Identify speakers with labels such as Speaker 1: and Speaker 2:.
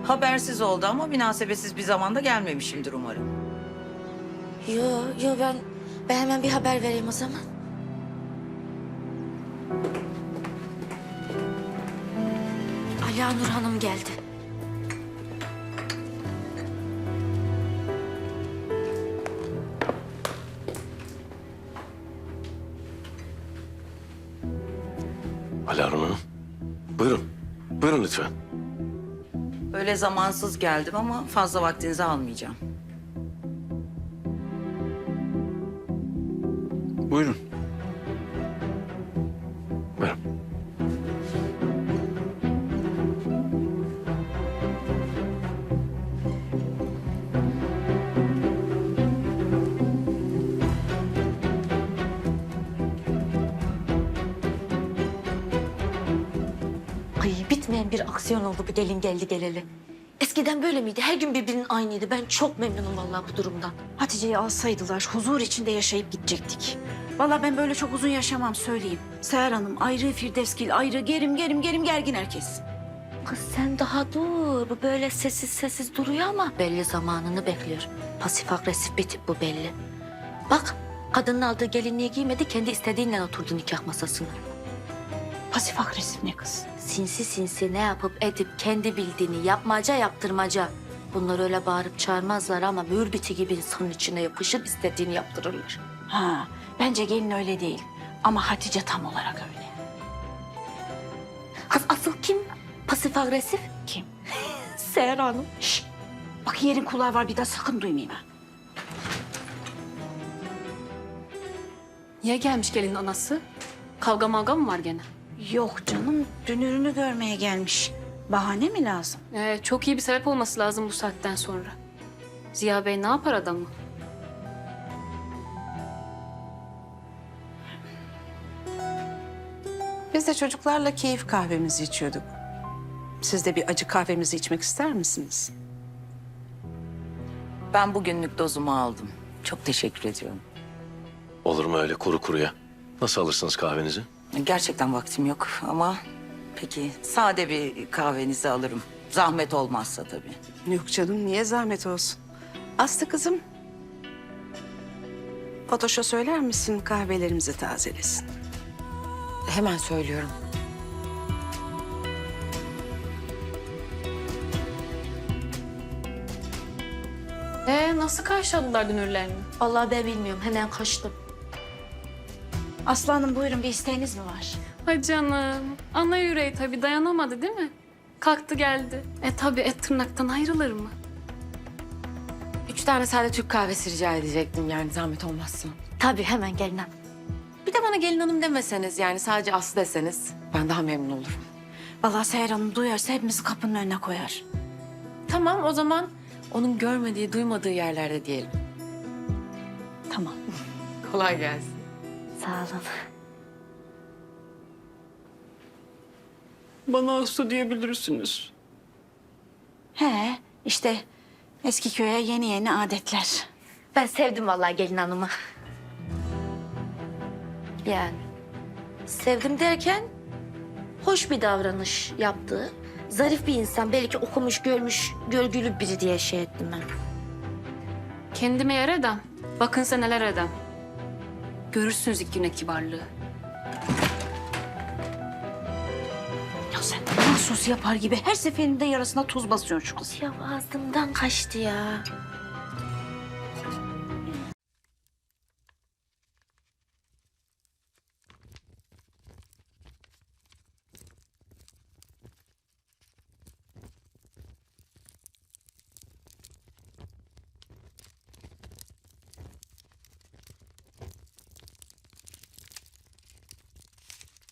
Speaker 1: Habersiz oldu ama münasebetsiz bir zamanda gelmemişimdir umarım.
Speaker 2: Yo ben hemen bir haber vereyim o zaman. Aliye Nur Hanım geldi.
Speaker 3: Alarm Hanım. Buyurun. Buyurun lütfen.
Speaker 1: Öyle zamansız geldim ama fazla vaktinizi almayacağım.
Speaker 4: Buyurun.
Speaker 3: Buyurun.
Speaker 2: Ay bitmeyen bir aksiyon oldu bu gelin geldi geleli. Eskiden böyle miydi? Her gün birbirinin aynıydı. Ben çok memnunum vallahi bu durumdan.
Speaker 5: Hatice'yi alsaydılar huzur içinde yaşayıp gidecektik. Vallahi ben böyle çok uzun yaşamam söyleyeyim. Seher Hanım ayrı, Firdevsgil ayrı, gerim gergin herkes.
Speaker 2: Kız sen daha dur. Bu böyle sessiz duruyor ama belli zamanını bekliyor. Pasif agresif bir tip bu belli. Bak kadının aldığı gelinliği giymedi, kendi istediğinden oturdu nikah masasına.
Speaker 5: Pasif agresif ne kız?
Speaker 2: Sinsi ne yapıp edip kendi bildiğini yapmaca yaptırmaca. Bunlar öyle bağırıp çağırmazlar ama mürbiti gibi insanın içine yapışıp istediğini yaptırırlar.
Speaker 5: Ha, bence gelin öyle değil. Ama Hatice tam olarak öyle.
Speaker 2: Kız asıl kim pasif agresif?
Speaker 5: Kim?
Speaker 2: Seher Hanım.
Speaker 5: Şşt! Bak yerin kulağı var, bir daha sakın duymayayım ha.
Speaker 6: Niye gelmiş gelinin anası? Kavga mavga mı var gene?
Speaker 5: Yok canım, dünürünü görmeye gelmiş. Bahane mi lazım?
Speaker 6: Çok iyi bir sebep olması lazım bu saatten sonra. Ziya Bey ne yapar adamı?
Speaker 7: Biz de çocuklarla keyif kahvemizi içiyorduk. Siz de bir acı kahvemizi içmek ister misiniz?
Speaker 1: Ben bugünlük dozumu aldım. Çok teşekkür ediyorum.
Speaker 3: Olur mu öyle kuru kuruya? Nasıl alırsınız kahvenizi?
Speaker 1: Gerçekten vaktim yok ama peki sade bir kahvenizi alırım. Zahmet olmazsa tabii.
Speaker 7: Yok canım, niye zahmet olsun? Aslı kızım, Fatoş'a söyler misin kahvelerimizi tazelesin?
Speaker 1: Hemen söylüyorum.
Speaker 6: Nasıl karşıladılar dünürlerini?
Speaker 2: Vallahi ben bilmiyorum, hemen kaçtım.
Speaker 5: Aslanım buyurun, bir isteğiniz mi var?
Speaker 6: Ay canım. Ana yüreği tabii dayanamadı değil mi? Kalktı geldi. Tabii et tırnaktan ayrılır mı?
Speaker 8: 3 tane sade Türk kahvesi rica edecektim yani zahmet olmazsa.
Speaker 2: Tabii hemen gelin hanım.
Speaker 8: Bir de bana gelin hanım demeseniz yani sadece Aslı deseniz ben daha memnun olurum.
Speaker 5: Vallahi Seher Hanım duyarsa hepimizi kapının önüne koyar.
Speaker 8: Tamam o zaman onun görmediği, duymadığı yerlerde diyelim.
Speaker 5: Tamam.
Speaker 8: Kolay gelsin.
Speaker 2: Sağ olun.
Speaker 7: Bana Aslı diyebilirsiniz.
Speaker 5: He, işte eski köye yeni adetler.
Speaker 2: Ben sevdim vallahi gelin hanımı. Yani sevdim derken hoş bir davranış yaptı. Zarif bir insan, belki okumuş, görmüş, görgülü biri diye şey ettim ben.
Speaker 6: Kendime yer edem. Bakın sen neler edem. Görürsünüz ilk güne kibarlığı.
Speaker 5: Ya sen mahsus yapar gibi her seferinde yarasına tuz basıyorsun şu kız.
Speaker 2: Ya ağzımdan kaçtı ya.